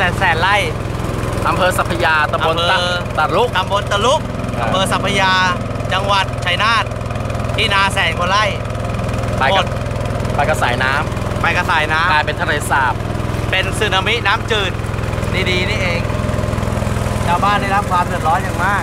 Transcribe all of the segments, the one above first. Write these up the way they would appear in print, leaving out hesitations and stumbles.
แสนไร่อำเภอสัพพยาตำบลตะลุกอำเภอสัพพยาจังหวัดชัยนาทที่นาแสนกว่าไร่ไปกระสายน้ำกลายเป็นทะเลสาบเป็นสึนามิน้ำจืดดีๆนี่เองชาวบ้านได้รับความเดือดร้อนอย่างมาก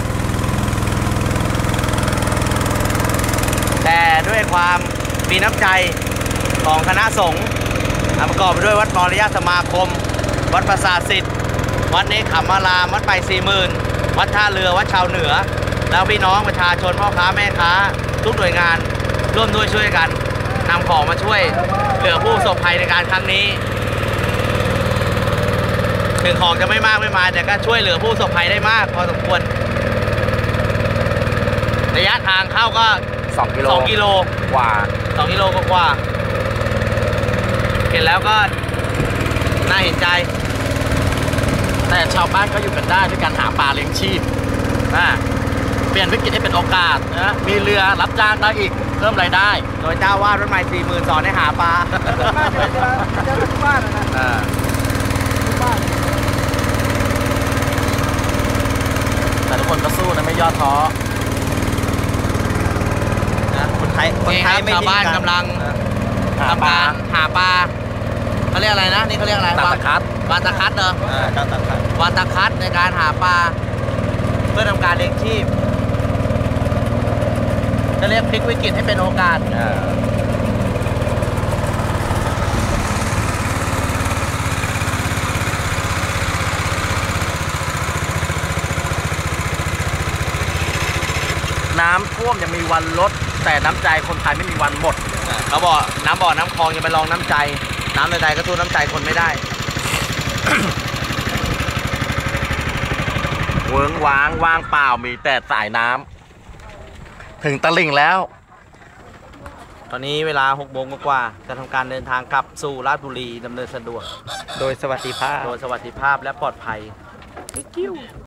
แต่ด้วยความมีน้ำใจของคณะสงฆ์ประกอบไปด้วยวัดมรยาสมาคมวัดปราสาทสิทธิ์วัดเนคขมารามวัดไป40,000วัดท่าเรือวัดชาวเหนือแล้วพี่น้องประชาชนพ่อค้าแม่ค้าทุกหน่วยงานร่วมด้วยช่วยกันนำของมาช่วยเหลือผู้ประสบภัยในการครั้งนี้ถึงของจะไม่มากไม่มาแต่ก็ช่วยเหลือผู้ประสบภัยได้มากพอสมควรระยะทางเข้าก็2 กิโลกว่า 2 กิโลกว่าเห็นแล้วก็น่าเห็นใจแต่ชาวบ้านก็อยู่กันได้ด้วยการหาปลาเลี้ยงชีพเปลี่ยนวิกฤตให้เป็นโอกาสนะมีเรือรับจ้างได้อีกเพิ่มรายได้โดยเจ้าวาดวัดใหม่40,000สอนให้หาปลาเจ้าทุกบ้านนะแต่ทุกคนก็สู้นะไม่ย่อท้อคนไทยไม่ชาวบ้านกำลังทำการหาปลาเขาเรียกอะไรนะนี่เขาเรียกอะไรวานตะคัดเหรอวานตะคัดในการหาปลาเพื่อทำการเลี้ยงชีพจะเรียกพลิกวิกฤตให้เป็นโอกาสน้ำท่วมยังมีวันลดแต่น้ำใจคนไทยไม่มีวันหมดเขาบอกน้ำบ่อน้ำคลองยังไปลองน้ำใจน้ำในใจก็สู้น้ำใจคนไม่ได้เวิ้งว้างว่างเปล่ามีแต่สายน้ำถึงตลิ่งแล้วตอนนี้เวลา6 โมงกว่าจะทำการเดินทางกลับสู่ราชบุรีดำเนินสะดวกโดยสวัสดิภาพและปลอดภัย